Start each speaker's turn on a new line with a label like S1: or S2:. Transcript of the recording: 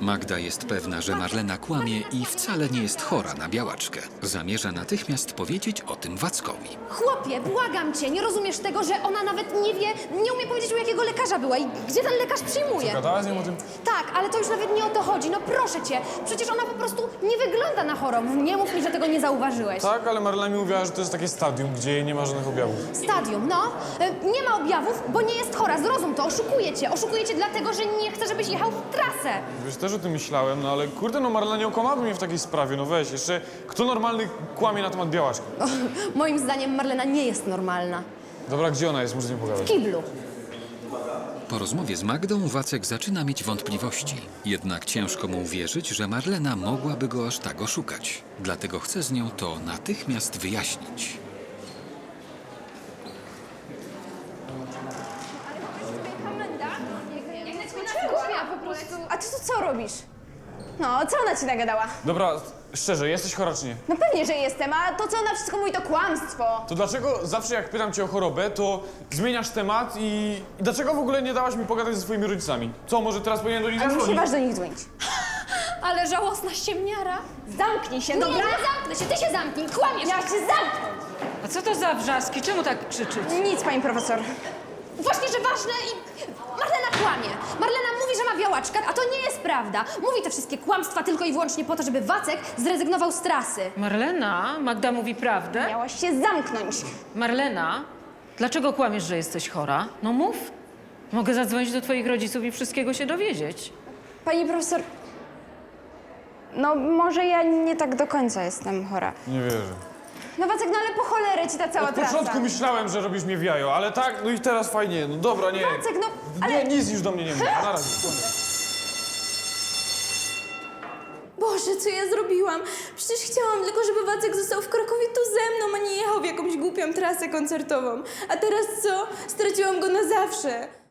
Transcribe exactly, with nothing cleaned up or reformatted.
S1: Magda jest pewna, że Marlena kłamie i wcale nie jest chora na białaczkę. Zamierza natychmiast powiedzieć o tym Wackowi.
S2: Chłopie, błagam cię, nie rozumiesz tego, że ona nawet nie wie, nie umie powiedzieć, u jakiego lekarza była i gdzie ten lekarz przyjmuje.
S3: Gadałaś z nią o tym?
S2: Tak, ale to już nawet nie o to chodzi, no proszę cię. Przecież ona po prostu nie wygląda na chorą. Nie mów mi, że tego nie zauważyłeś.
S3: Tak, ale Marlena mi mówiła, że to jest takie stadium, gdzie nie ma żadnych objawów.
S2: Stadium, no. E, Nie ma objawów, bo nie jest chora. Zrozum to, oszukuje cię. Oszukuje cię dlatego, że nie chce, żebyś jechał w trasę.
S3: Wiesz, też o tym myślałem, no ale kurde, no Marlena nie okłamałaby mnie w takiej sprawie, no weź, jeszcze kto normalny kłamie na temat białaczki?
S2: Moim zdaniem Marlena nie jest normalna.
S3: Dobra, gdzie ona jest? Muszę z nią
S2: W
S3: pogadać.
S2: kiblu.
S1: Po rozmowie z Magdą Wacek zaczyna mieć wątpliwości. Jednak ciężko mu uwierzyć, że Marlena mogłaby go aż tak oszukać. Dlatego chce z nią to natychmiast wyjaśnić.
S4: A ty tu co robisz? No, co ona ci nagadała?
S3: Dobra, szczerze, jesteś chora czy nie?
S4: No pewnie, że jestem, a to co ona wszystko mówi to kłamstwo.
S3: To dlaczego zawsze jak pytam cię o chorobę, to zmieniasz temat i... i dlaczego w ogóle nie dałaś mi pogadać ze swoimi rodzicami? Co, może teraz powinien do nich
S4: A nie się
S3: zadzwonić?
S4: waż do nich dzwonić.
S2: Ale żałosna ściemniara.
S4: Zamknij się,
S2: Nie,
S4: dobra?
S2: nie zamknę się, ty się zamknij, kłamiesz.
S4: Ja się zamknąć!
S5: A co to za wrzaski? Czemu tak krzyczyć?
S4: Nic, pani profesor.
S2: Właśnie, że ważne i... Marlena kłamie. Marlena mówi, że ma białaczkę, a to nie jest prawda. Mówi te wszystkie kłamstwa tylko i wyłącznie po to, żeby Wacek zrezygnował z trasy.
S5: Marlena, Magda mówi prawdę?
S4: Miałaś się zamknąć.
S5: Marlena, dlaczego kłamiesz, że jesteś chora? No mów. Mogę zadzwonić do twoich rodziców i wszystkiego się dowiedzieć.
S4: Pani profesor... No, może ja nie tak do końca jestem chora.
S3: Nie wierzę.
S4: No Wacek, no ale po cholerę ci ta cała
S3: Od
S4: trasa.
S3: początku myślałem, że robisz mnie w jajo, ale tak, no i teraz fajnie, no dobra, nie.
S4: Wacek, no, ale...
S3: Nie, nic już do mnie nie mów, na razie.
S6: Boże, co ja zrobiłam? Przecież chciałam tylko, żeby Wacek został w Krakowie tu ze mną, a nie jechał w jakąś głupią trasę koncertową. A teraz co? Straciłam go na zawsze.